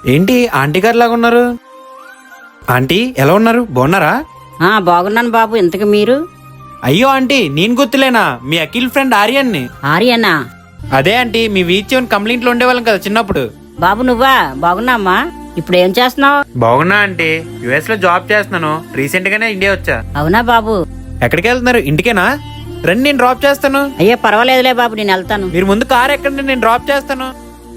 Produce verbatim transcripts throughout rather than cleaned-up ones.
ఏంటి ఆంటీ గారు లాగా ఉన్నారు? ఆంటీ ఎలా ఉన్నారు? బాగున్నారా? ఆ బాగున్నాను బాబు. ఇంతకు మీరు? అయ్యో ఆంటీ, నేను గుర్తులేనా? మీ అఖిల్ ఫ్రెండ్ ఆర్యన్ని. ఆర్యనా? అదే ఆంటీ, మీ వీచ్ కంప్లైంట్ లో ఉండేవాళ్ళం కదా చిన్నప్పుడు. బాబు నువ్వా? బాగున్నామ్మా. ఇప్పుడు ఏం చేస్తున్నావు? బాగున్నా ఆంటీ, యుఎస్ లో జాబ్ చేస్తున్నాను. రీసెంట్ గానే ఇండియా వచ్చా. అవునా బాబు? ఎక్కడికి వెళ్తున్నారు? ఇంటికేనా? రండి, నేను డ్రాప్ చేస్తాను. అయ్యో పర్వాలేదులే బాబు, నేను వెళ్తాను. మీరు ముందు కార్ ఎక్కండి, నేను డ్రాప్ చేస్తాను.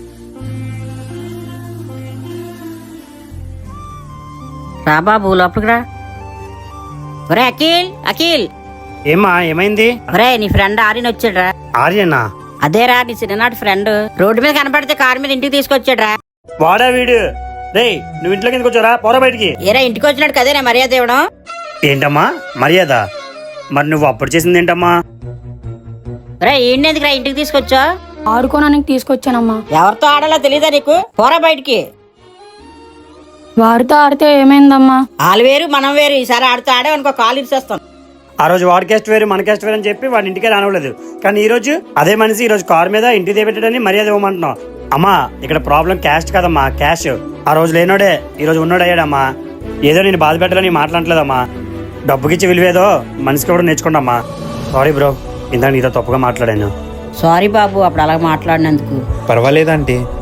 రా బాబు, లోపలికి రా. ఒరే అఖిల్, అఖిల్. ఏమ్మా, ఏమైంది? ఒరే నీ ఫ్రెండ్ ఆర్యన్ వచ్చాడ్రా. ఆర్యనా? అదేరా, నీ చిన్ననాటి ఫ్రెండ్. రోడ్డు మీద కనపడితే కారు మీద ఇంటికి తీసుకొచ్చాడ్రా. వాడా వీడు? రేయ్, నువ్వు ఇంట్లోకి ఎందుకు వచ్చారా? పోరా బయటికి. ఏరా, ఇంటికి వచ్చినట్టు కదేనా మర్యాద ఇవ్వడం? ఏంటమ్మా మర్యాద? మరి నువ్వు అప్పుడు చేసింది ఏంటమ్మా? ఒరే ఈయనెందుకురా ఇంటికి తీసుకొచ్చా? ఆడుకోనానికి తీసుకొచ్చానమ్మా. ఎవరితో ఆడాలో తెలీదా నీకు? పోరా బయటికి. వారితో ఆడితే ఏమైందమ్మా? వాళ్ళు వేరు మనం వేరు. ఈసారి ఆడుతూ ఆడేవనుకో కాలు ఇచ్చేస్తాం. ఆ రోజు వాడి క్యాస్ట్ వేరు మన క్యాస్ట్ వేరు అని చెప్పి వాడి ఇంటికే రానివ్వలేదు. కానీ ఈ రోజు అదే మనిషి ఈ రోజు కారు మీద ఇంటికి తెపెట్టాడని మర్యాద ఇవ్వమంటున్నావు. అమ్మా, ఇక్కడ ప్రాబ్లం క్యాస్ట్ కదమ్మా, క్యాష్. ఆ రోజు లేనోడే ఈ రోజు ఉన్నోడు అయ్యాడమ్మా. ఏదో నేను బాధ పెట్టాలని మాట్లాడలేదమ్మా. డబ్బుకిచ్చి విలువేదో మనిషికి కూడా నేర్చుకోండమ్మా. సారీ బ్రో, ఇందాక నీతో తప్పుగా మాట్లాడాను. సారీ బాబు, అప్పుడు అలా మాట్లాడినందుకు. పర్వాలేదు ఆంటీ.